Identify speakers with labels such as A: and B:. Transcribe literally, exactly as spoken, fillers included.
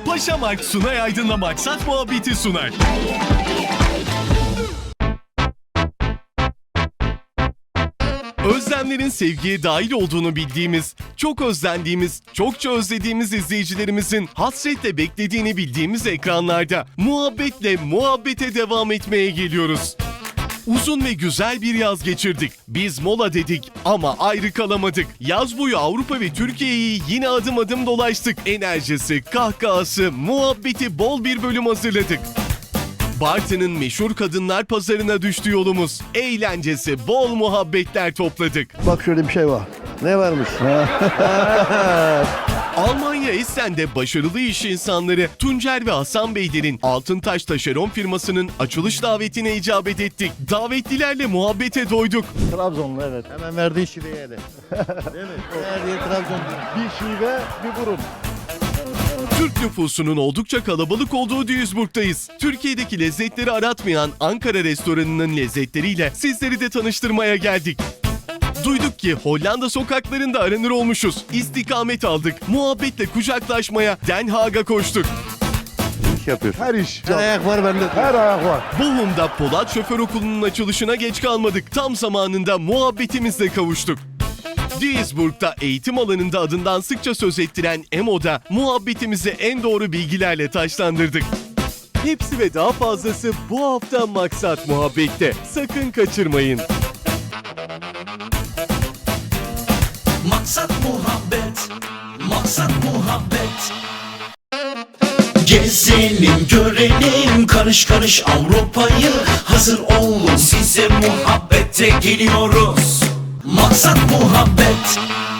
A: Paşamark Sunay Aydın'la Maksat Muhabbeti sunar. Özlemlerin sevgiye dahil olduğunu bildiğimiz, çok özlendiğimiz, çokça özlediğimiz izleyicilerimizin hasretle beklediğini bildiğimiz ekranlarda muhabbetle muhabbete devam etmeye geliyoruz. Uzun ve güzel bir yaz geçirdik. Biz mola dedik ama ayrı kalamadık. Yaz boyu Avrupa ve Türkiye'yi yine adım adım dolaştık. Enerjisi, kahkahası, muhabbeti bol bir bölüm hazırladık. Bartın'ın meşhur kadınlar pazarına düştü yolumuz. Eğlencesi, bol muhabbetler topladık.
B: Bak şöyle bir şey var. Ne varmış?
A: Almanya Essen'de başarılı iş insanları Tuncer ve Hasan Beylerin Altıntaş Taşeron firmasının açılış davetine icabet ettik. Davetlilerle muhabbete doyduk.
B: Trabzonlu evet. Hemen verdiği şiveye de. Değil mi? Verdiği Trabzon. Bir şive, bir burun.
A: Türk nüfusunun oldukça kalabalık olduğu Duisburg'dayız. Türkiye'deki lezzetleri aratmayan Ankara restoranının lezzetleriyle sizleri de tanıştırmaya geldik. Duyduk ki Hollanda sokaklarında aranır olmuşuz. İstikamet aldık. Muhabbetle kucaklaşmaya Den Haag'a koştuk.
B: İş yapıyor.
C: Her iş.
B: Her ayak var bende.
C: Her ayak var.
A: Bochum'da Polat Şoför Okulu'nun açılışına geç kalmadık. Tam zamanında muhabbetimizle kavuştuk. Duisburg'da eğitim alanında adından sıkça söz ettiren E M O'da muhabbetimizi en doğru bilgilerle taşlandırdık. Hepsi ve daha fazlası bu hafta Maksat Muhabbet'te. Sakın kaçırmayın.
D: Maksat muhabbet, maksat muhabbet. Gezelim görelim karış karış Avrupa'yı. Hazır olun size muhabbete geliyoruz. Maksat muhabbet.